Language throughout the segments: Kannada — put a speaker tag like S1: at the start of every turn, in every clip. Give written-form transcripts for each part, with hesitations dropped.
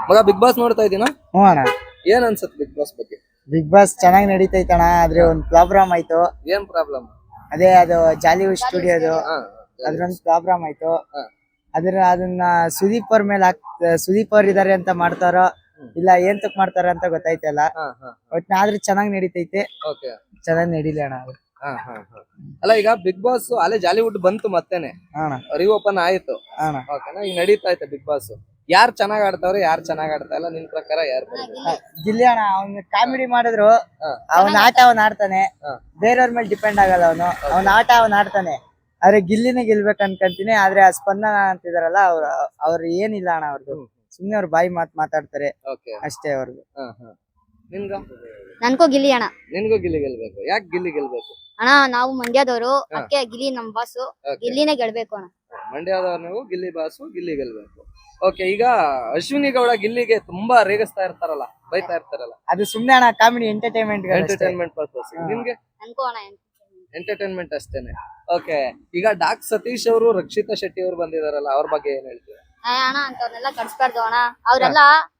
S1: ಮಗ ಬಿಗ್ ಬಾಸ್ ನೋಡ್ತಾ ಇದೀನಾ?
S2: ಹ್ಞೂ ಅಣ್ಣ.
S1: ಏನ್ ಅನ್ಸುತ್ತೆ ಬಿಗ್ ಬಾಸ್ ಬಗ್ಗೆ?
S2: ಬಿಗ್ ಬಾಸ್ ಚೆನ್ನಾಗಿ ನಡೀತೈತಣ. ಆದ್ರೆ ಒಂದ್ ಪ್ರಾಬ್ಲಮ್ ಆಯ್ತು.
S1: ಏನ್ ಪ್ರಾಬ್ಲಮ್?
S2: ಅದೇ ಅದು ಜಾಲಿವುಡ್ ಸ್ಟುಡಿಯೋದು ಅದ್ರೊಂದ್ ಪ್ರಾಬ್ಲಮ್ ಆಯ್ತು. ಅದನ್ನ ಸುದೀಪ್ ಅವ್ರ ಮೇಲೆ ಸುದೀಪ್ ಅವ್ರ ಇದಾರೆ ಅಂತ ಮಾಡ್ತಾರೋ ಇಲ್ಲ ಏನ್ ತಕ್ ಮಾಡ್ತಾರ ಅಂತ ಗೊತ್ತಾಯ್ತಲ್ಲ. ಒಟ್ನಾದ್ರೂ ಚೆನ್ನಾಗಿ ನಡೀತೈತೆ. ಚೆನ್ನಾಗಿ ನಡೀಲಿ ಅಣ್ಣ ಅದು.
S1: ಅಲ್ಲ ಈಗ ಬಿಗ್ ಬಾಸ್ ಅಲ್ಲೇ ಜಾಲಿವುಡ್ ಬಂತು ಮತ್ತೇನೆ ರಿಓಪನ್ ಆಯ್ತು. ಓಕೆನಾ, ಈಗ ನಡೀತಾ ಐತೆ ಬಿಗ್ ಬಾಸ್. ಯಾರು ಚೆನ್ನಾಗ್ ಆಡ್ತಾವ್ರೆ, ಯಾರು ಚೆನ್ನಾಗ್ ಆಡ್ತಾ ಇಲ್ಲ ನಿನ್ ಪ್ರಕಾರ? ಯಾರು
S2: ಗಿಲ್ಲಿ ಅಣ್ಣ. ಅವ್ನ ಕಾಮಿಡಿ ಮಾಡಿದ್ರು ಅವನ ಆಟ ಅವನ್ ಆಡ್ತಾನೆ. ಬೇರೆಯವ್ರ ಮೇಲೆ ಡಿಪೆಂಡ್ ಆಗಲ್ಲ ಅವನು. ಅವನ ಆಟ ಅವನ್ ಆಡ್ತಾನೆ. ಆದ್ರೆ ಗಿಲ್ಲಿನೇ ಗೆಲ್ಬೇಕು ಅನ್ಕೊಂತೀನಿ. ಆದ್ರೆ ಆ ಸ್ಪಂದನ ಅಂತಿದಾರಲ್ಲ ಅವ್ರು ಏನಿಲ್ಲ ಅಣ್ಣ. ಅವ್ರದ್ದು ಸುಮ್ನೆ ಅವ್ರ ಬಾಯಿ ಮಾತಾಡ್ತಾರೆ ಅಷ್ಟೇ ಅವ್ರದ್ದು.
S3: ನನ್ಕೋ ಗಿಲ್ಲಿ ಅಣ್ಣ.
S1: ನಿನ್ಗೂ ಗಿಲ್ಲಿ ಗೆಲ್ಬೇಕು. ಯಾಕೆ ಗಿಲ್ಲಿ ಗೆಲ್ಬೇಕು
S3: ಅಣ್ಣ? ನಾವು ಮಂಡ್ಯದವರು, ಅದಕ್ಕೆ ಗಿಲ್ಲಿ ನಮ್ ಬಾಸು. ಗಿಲ್ಲಿನೇ ಗೆಲ್ಬೇಕು ಅಣ್ಣ.
S1: ಮಂಡ್ಯದವ್ರು ನೀವು, ಗಿಲ್ಲಿ ಬಾಸು, ಗಿಲ್ಲಿ ಗೆಲ್ಬೇಕು. ಓಕೆ, ಈಗ ಅಶ್ವಿನಿ ಗೌಡ ಗಿಲ್ಲಿಗೆ ತುಂಬಾ ರೇಗಿಸ್ತಾ ಇರ್ತಾರಲ್ಲ, ಬೈತಾ ಇರ್ತಾರಲ್ಲ,
S2: ಅದು ಸುಮ್ನೆ ಅಣ್ಣ. Comedy entertainment
S1: purpose. ನಿಮ್ಗೆ
S3: ನನ್ಕೋ ಅಣ್ಣ
S1: ಎಂಟರ್ಟೈನ್ಮೆಂಟ್ ಅಷ್ಟೇನೆ. ಓಕೆ, ಈಗ ಡಾಕ್ ಸತೀಶ್ ಅವರು, ರಕ್ಷಿತಾ ಶೆಟ್ಟಿ ಅವರು ಬಂದಿದಾರಲ್ಲ, ಅವ್ರ ಬಗ್ಗೆ ಏನ್ ಹೇಳ್ತೀರಾ?
S3: ಅಣ್ಣ ಅಂತವ್ರನ್ನೆಲ್ಲ ಕಳ್ಸ್ಬಾರ್ದು ಅಣ್ಣ. ಅವ್ರೆಲ್ಲ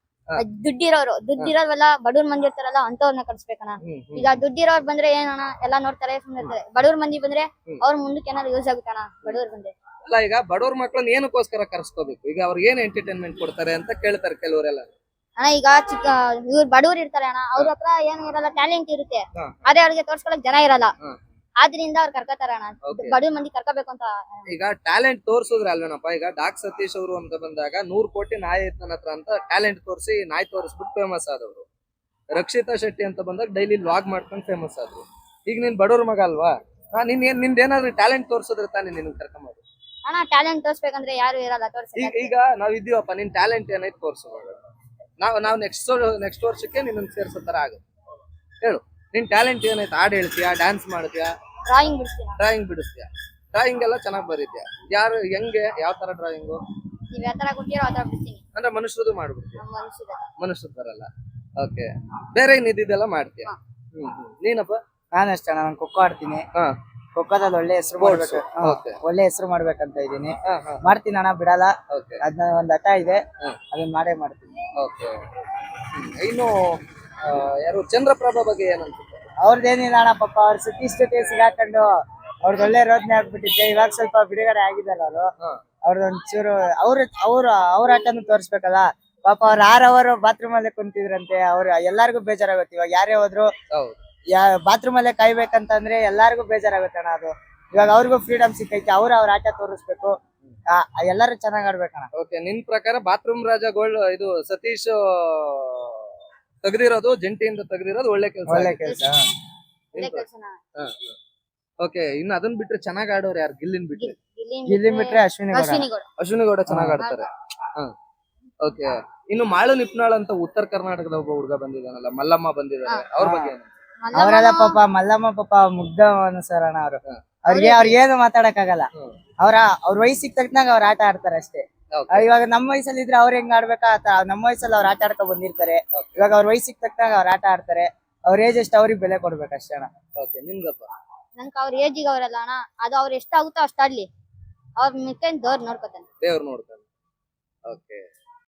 S3: ದುಡ್ಡಿರೋವೆಲ್ಲ ಬಡವ್ರ ಮಂದಿ ಇರ್ತಾರಲ್ಲ ಅಂತವ್ರನ್ನ ಕಳ್ಸ್ಬೇಕಣ್ಣ. ಈಗ ದುಡ್ಡಿರೋರ್ ಬಂದ್ರೆ ಏನಣ್ಣ, ಎಲ್ಲಾ ನೋಡ್ತಾರೆ, ಸುಮ್ಮನೆ ಇರ್ತಾರೆ. ಬಡವ್ರ ಮಂದಿ ಬಂದ್ರೆ ಅವ್ರ ಮುಂದಕ್ಕೆ ಏನಾದ್ರು ಯೂಸ್ ಆಗುತ್ತಣ್ಣ. ಬಡವ್ರ ಬಂದ್ರೆ
S1: ಅಲ್ಲ, ಈಗ ಬಡವ್ರ ಮಕ್ಳನ್ನ ಏನಕ್ಕೋಸ್ಕರ ಕರ್ಸ್ಕೋಬೇಕು? ಈಗ ಅವ್ರಿಗೆ ಏನ್ ಎಂಟರ್ಟೈನ್ಮೆಂಟ್ ಕೊಡ್ತಾರೆ ಅಂತ ಕೇಳ್ತಾರೆ ಕೆಲವರೆಲ್ಲ.
S3: ಅಣ್ಣ ಈಗ ಇವ್ರು ಬಡವ್ರು ಇರ್ತಾರೆ ಅಣ್ಣ. ಅವ್ರ ಹತ್ರ ಏನು ಇರಲ್ಲ, ಟ್ಯಾಲೆಂಟ್ ಇರುತ್ತೆ. ಆದ್ರೆ ಅವ್ರಿಗೆ ತೋರ್ಸ್ಕೊಳಕ್ ಜನ ಇರಲ್ಲ. ಆದ್ರಿಂದ ಅವ್ರು ಕರ್ಕೋತಾರ ಅಣ್ಣ. ಬಡವ್ರ ಮಂದಿ ಕರ್ಕೋಬೇಕು ಅಂತ.
S1: ಈಗ ಟ್ಯಾಲೆಂಟ್ ತೋರ್ಸುದ್ರೆ ಅಲ್ವೇನಪ್ಪ. ಈಗ ಡಾಕ್ ಸತೀಶ್ ಅವರು ಅಂತ ಬಂದಾಗ 100 ಕೋಟಿ ನಾಯಿ ನನ್ನ ಹತ್ರ ಅಂತ ಟ್ಯಾಲೆಂಟ್ ತೋರಿಸಿ ನಾಯಿ ತೋರಿಸ್ಬಿಟ್ಟು ಫೇಮಸ್ ಆದವರು. ರಕ್ಷಿತಾ ಶೆಟ್ಟಿ ಅಂತ ಬಂದಾಗ ಡೈಲಿ ವ್ಲಾಗ್ ಮಾಡ್ಕೊಂಡು ಫೇಮಸ್ ಆದ್ರು. ಈಗ ನೀನ್ ಬಡವ್ರ ಮಗ ಅಲ್ವಾ? ನಿಂದೇನಾದ್ರು ಟ್ಯಾಲೆಂಟ್ ತೋರ್ಸಿದ್ರೆ ತಾನೇ ನಿನ್ ಕರ್ಕೊಂಬೋದು.
S3: ಅಣ್ಣ ಟ್ಯಾಲೆಂಟ್ ತೋರ್ಸ್ಬೇಕಂದ್ರೆ ಯಾರು ಇರಲ್ಲ ತೋರ್ಸಿ.
S1: ಈಗ ನಾವ್ ಇದೀವಪ್ಪ, ನಿನ್ ಟ್ಯಾಲೆಂಟ್ ಏನೈತೆ ತೋರ್ಸೋದು. ನಾವು ನೆಕ್ಸ್ಟ್ ವರ್ಷಕ್ಕೆ ನಿನ್ನ ಸೇರ್ಸೋ ತರ ಆಗುತ್ತೆ. ಹೇಳು, ನಿನ್ ಟ್ಯಾಲೆಂಟ್ ಏನೈತೆ? ಹಾಡ್ ಹೇಳ್ತೀಯಾ, ಡ್ಯಾನ್ಸ್ ಮಾಡ್ತೀಯಾ, ಡ್ರಾಯಿಂಗ್ ಬಿಡಿಸ್ತೀಯಾ? ಡ್ರಾಯಿಂಗ್ ಎಲ್ಲ ಚೆನ್ನಾಗಿ ಬರೀತೀಯಾ? ಯಾರು ಹೆಂಗೆ, ಯಾವ ತರ ಡ್ರಾಯಿಂಗು?
S3: ನೀವ್ ಯಾವ ತರ ಕೊಟ್ಟಿರೋ ಆ ತರ ಬಿಡ್ತೀನಿ.
S1: ಅಂದ್ರೆ ಮನುಷ್ಯರದು ಮಾಡ್ಬಿಡ್ತೀಯ? ಮನುಷ್ಯದ ಬರಲ್ಲ. ಓಕೆ, ಬೇರೆ ಇದ್ದಿದ್ದೆಲ್ಲ ಮಾಡ್ತೀಯ. ನೀನಪ್ಪ?
S2: ನಾನಷ್ಟೇ ಅಣ್ಣ. ನಾನು ಖೋಖೋ ಆಡ್ತೀನಿ. ಖೋಖೋದಲ್ಲಿ ಒಳ್ಳೆ ಹೆಸರು ಮಾಡ್ಬೇಕು. ಒಳ್ಳೆ ಹೆಸರು ಮಾಡ್ಬೇಕಂತ ಇದೀನಿ. ಮಾಡ್ತೀನಿ ಅಣ್ಣ, ಬಿಡಲ್ಲ. ಅದನ್ನ ಒಂದ್ ಹಠ ಇದೆ, ಅದನ್ನ ಮಾಡೇ ಮಾಡ್ತೀನಿ.
S1: ಓಕೆ, ಇನ್ನು ಯಾರು ಚಂದ್ರಪ್ರಭಾ ಬಗ್ಗೆ ಏನಂತ?
S2: ಅವ್ರದ್ದೇನಿಲ್ಲ ಅಣ್ಣ. ಪಾಪ ಅವ್ರ ಸುತ್ತಿ ಸಿಗಾಕೊಂಡು ಅವ್ರದ್ದು ಒಳ್ಳೆ ರೋದನೆ ಆಗ್ಬಿಟ್ಟಿತ್ತೆ. ಇವಾಗ ಸ್ವಲ್ಪ ಬಿಡುಗಡೆ ಆಗಿದಾರ ಅವರು. ಅವ್ರದೊಂಚೂರು ಅವ್ರ ಆಟನು ತೋರ್ಸ್ಬೇಕಲ್ಲ. ಪಾಪ ಅವ್ರ 6 ಅವರ್ ಬಾತ್ರೂಮ್ ಅಲ್ಲೇ ಕುಂತಿದ್ರಂತೆ. ಎಲ್ಲಾರ್ಗು ಬೇಜಾರಾಗುತ್ತೆ. ಇವಾಗ ಯಾರೇ ಹೋದ್ರು ಬಾತ್ರೂಮ್ ಅಲ್ಲೇ ಕಾಯ್ಬೇಕಂತಂದ್ರೆ ಎಲ್ಲಾರ್ಗು ಬೇಜಾರಾಗುತ್ತೆ ಅಣ್ಣ. ಅದು ಇವಾಗ ಅವ್ರಿಗೂ ಫ್ರೀಡಮ್ ಸಿಕ್ಕೈತಿ. ಅವ್ರ ಆಟ ತೋರಿಸ್ಬೇಕು. ಎಲ್ಲಾರು ಚೆನ್ನಾಗ್ ಆಡ್ಬೇಕಣ್ಣ.
S1: ಓಕೆ, ನಿನ್ ಪ್ರಕಾರ ಬಾತ್ರೂಮ್ ರಾಜ ಗೋಲ್ಡ್ ಇದು ಸತೀಶ್ ತೆಗ್ದಿರೋದು, ಜಂಟಿಯಿಂದ ತೆಗ್ದಿರೋದು ಒಳ್ಳೆ ಕೆಲಸ. ಓಕೆ, ಇನ್ನು ಅದನ್ನ ಬಿಟ್ರೆ ಚೆನ್ನಾಗ್ ಆಡೋರು ಯಾರು? ಗಿಲ್ಲಿನ್
S2: ಬಿಟ್ರೆ
S1: ಅಶ್ವಿನಿ ಗೌಡ ಚೆನ್ನಾಗ್ ಆಡ್ತಾರೆ. ಓಕೆ, ಇನ್ನು ಮಾಳು ನಿಪ್ನಾಳ್ ಅಂತ ಉತ್ತರ ಕರ್ನಾಟಕದ ಒಬ್ಬ ಹುಡುಗ ಬಂದಿದ್ದಾನಲ್ಲ, ಮಲ್ಲಮ್ಮ ಬಂದಿದ್ದಾರೆ, ಅವ್ರ ಬಗ್ಗೆ ಏನು?
S2: ಅವರೆಲ್ಲ ಪಾಪ ಮಲ್ಲಮ್ಮ ಪಾಪ ಮುಗ್ಧ ಅನುಸರಣ. ಅವ್ರಿಗೆ ಏನು ಮಾತಾಡಕ್ ಆಗಲ್ಲ. ಅವ್ರ ವಯಸ್ಸಿಗೆ ತಕ್ಕನಾಗ ಅವ್ರ ಆಟ ಆಡ್ತಾರೆ ಅಷ್ಟೇ. ಇವಾಗ ನಮ್ಮ ವಯಸ್ಸಲ್ಲಿ ಇದ್ರೆ ಅವ್ರ ಹೆಂಗ್ ಆಡ್ಬೇಕಾ ನಮ್ಮ ವಯಸ್ಸಲ್ಲಿ ಅವ್ರ ಆಟ ಆಡ್ಕೊಂಡ್ ಬಂದಿರ್ತಾರೆ. ಇವಾಗ ಅವ್ರ ವಯಸ್ಸಿಗೆ ತಕ್ಕನಾಗ ಅವ್ರ ಆಟ ಆಡ್ತಾರೆ. ಅವ್ರ ಏಜ್ ಎಷ್ಟು ಅವ್ರಿಗೆ ಬೆಲೆ ಕೊಡ್ಬೇಕು ಅಷ್ಟೇ ಅಣ್ಣ.
S3: ನನ್ಕ ಅವ್ರ ಏಜಿಗೆ ಅವ್ರಲ್ಲ ಅಣ್ಣ. ಅದು ಅವ್ರ ಎಷ್ಟಾಗುತ್ತೋ ಅಷ್ಟಾಡ್ಲಿ. ಅವ್ರ ಮಿಕ್ಕ ದೇವ್ರ ನೋಡ್ಕೊತಾನೆ.
S1: ಓಕೆ.